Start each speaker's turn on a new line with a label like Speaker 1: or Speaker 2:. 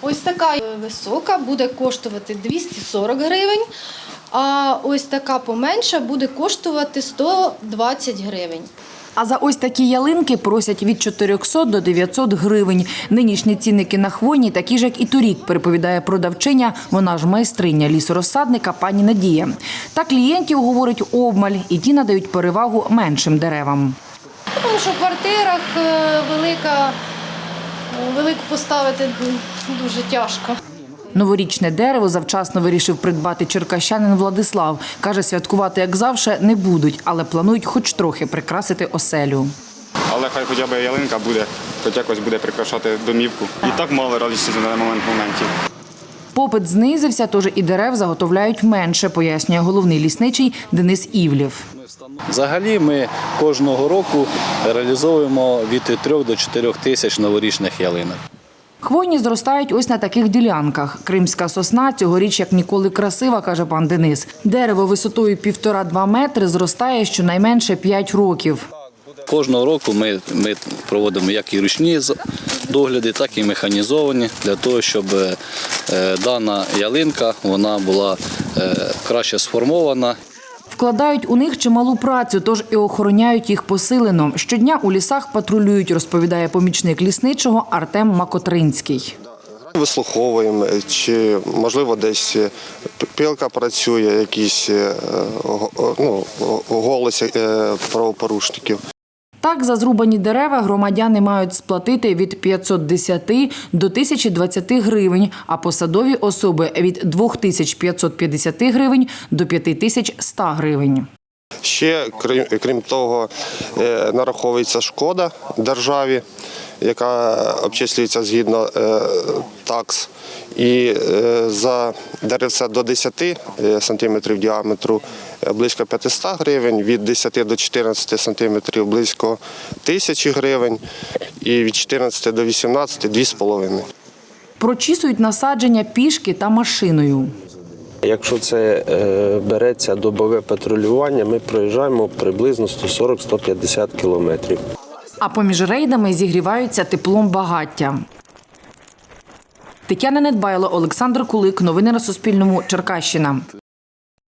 Speaker 1: Ось така висока буде коштувати 240 гривень, а ось така поменша буде коштувати 120 гривень.
Speaker 2: А за ось такі ялинки просять від 400 до 900 гривень. Нинішні цінники на хвойні такі ж, як і торік, переповідає продавчиня, вона ж майстриня лісорозсадника пані Надія. Та клієнтів, говорить, обмаль, і ті надають перевагу меншим деревам.
Speaker 1: Тому що в квартирах велику поставити дуже тяжко.
Speaker 2: Новорічне дерево завчасно вирішив придбати черкащанин Владислав. Каже, святкувати, як завжди, не будуть, але планують хоч трохи прикрасити оселю.
Speaker 3: Але хай хоча б ялинка буде, хоч якось буде прикрашати домівку. І так мало радості на даний моментів.
Speaker 2: Попит знизився, тож і дерев заготовляють менше, пояснює головний лісничий Денис Івлєв.
Speaker 4: Взагалі ми кожного року реалізовуємо від 3 до 4 тисяч новорічних ялинок.
Speaker 2: Хвойні зростають ось на таких ділянках. Кримська сосна цьогоріч як ніколи красива, каже пан Денис. Дерево висотою 1,5–2 метри зростає щонайменше 5 років.
Speaker 4: Кожного року ми проводимо як і ручні догляди, так і механізовані, для того, щоб дана ялинка вона була краще сформована.
Speaker 2: Вкладають у них чималу працю, тож і охороняють їх посилено. Щодня у лісах патрулюють, розповідає помічник лісничого Артем Макотринський.
Speaker 5: Вислуховуємо, чи, можливо, десь пилка працює, якісь голоси правопорушників.
Speaker 2: Так, за зрубані дерева громадяни мають сплатити від 510 до 1020 гривень, а посадові особи – від 2550 гривень до 5100 гривень.
Speaker 5: Ще, крім того, нараховується шкода державі, яка обчислюється згідно такс. І за деревця до 10 сантиметрів діаметру близько 500 гривень, від 10 до 14 сантиметрів близько 1000 гривень і від 14 до 18 – 2,5.
Speaker 2: Прочісують насадження пішки та машиною.
Speaker 6: Якщо це береться добове патрулювання, ми проїжджаємо приблизно 140–150 кілометрів.
Speaker 2: А поміж рейдами зігріваються теплом багаття. Тетяна Недбайло, Олександр Кулик. Новини на Суспільному. Черкащина.